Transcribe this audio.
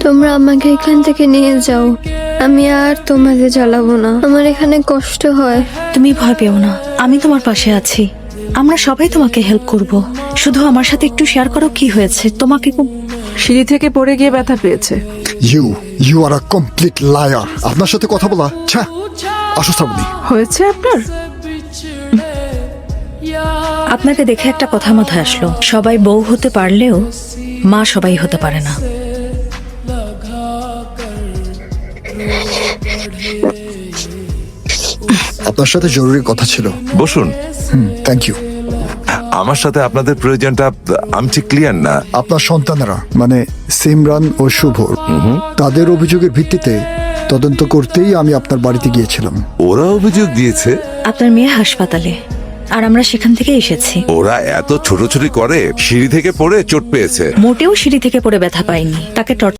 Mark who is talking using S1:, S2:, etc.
S1: তোমরা আমাকে এখান থেকে নিয়ে যাও, আমি আর তোমাকে জ্বালাবো না, আমার এখানে কষ্ট হয়।
S2: তুমি ভয় পেও না, আমি তোমার পাশে আছি। আমরা সবাই তোমাকে হেল্প করব। শুধু আমার সাথে একটু শেয়ার করো কি হয়েছে। তোমাকে
S3: সিঁড়ি থেকে পড়ে গিয়ে ব্যথা পেয়েছে।
S4: You are a complete liar. আপনার সাথে কথা বলা আসো শ্রাবণী।
S3: হয়েছে আপনার?
S2: আপনাকে দেখে একটা কথা মাথায় আসলো, সবাই বউ হতে পারলেও মা সবাই হতে পারে না।
S4: আপনার সাথে জরুরি কথা ছিল।
S5: বসুন।
S4: Thank you.
S5: আমার সাথে আপনাদের প্রয়োজনটা আমি ঠিক ক্লিয়ার না।
S4: আপনার সন্তানেরা মানে সিমরান ও শুভ, তাদের অভিযোগের ভিত্তিতে তদন্ত করতেই আমি আপনার বাড়িতে গিয়েছিলাম।
S5: ওরা অভিযোগ দিয়েছে?
S2: আপনার মেয়ে হাসপাতালে, আর আমরা সেখান থেকে এসেছি।
S5: ওরা এত ছোটাছুটি করে, সিঁড়ি থেকে পড়ে চোট পেয়েছে।
S2: মোটেও সিঁড়ি থেকে পড়ে ব্যথা পায়নি, তাকে